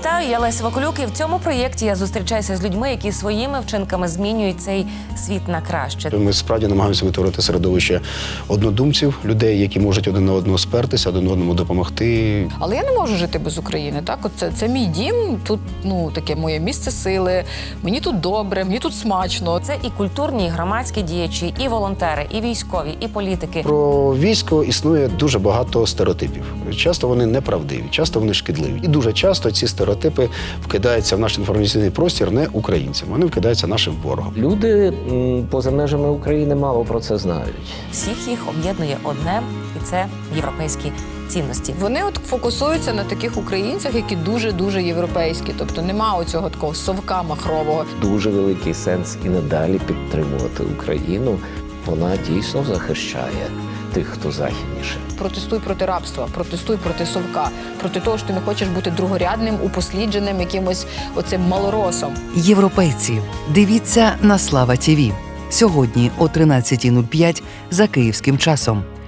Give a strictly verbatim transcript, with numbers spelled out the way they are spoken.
Вітаю, я Леся Вакулюк, і в цьому проєкті я зустрічаюся з людьми, які своїми вчинками змінюють цей світ на краще. Ми справді намагаємося витворити середовище однодумців, людей, які можуть один на одного спертися, один одному допомогти. Але я не можу жити без України. Так, от це, це мій дім, тут ну таке моє місце сили. Мені тут добре, мені тут смачно. Це і культурні, і громадські діячі, і волонтери, і військові, і політики. Про військо існує дуже багато стереотипів. Часто вони неправдиві, часто вони шкідливі. І дуже часто ці стереотипи вкидаються в наш інформаційний простір не українцям, вони вкидаються нашим ворогом. Люди м, поза межами України мало про це знають. Всіх їх об'єднує одне, і це європейські цінності. Вони от фокусуються на таких українцях, які дуже-дуже європейські. Тобто нема оцього такого совка махрового. Дуже великий сенс і надалі підтримувати Україну. Вона дійсно захищає тих, хто західніше. Протестуй проти рабства, протестуй проти совка, проти того, що ти не хочеш бути другорядним, упослідженим якимось оцим малоросом. Європейці. Дивіться на Слава ТІВІ. Сьогодні о тринадцятій нуль п'ять за київським часом.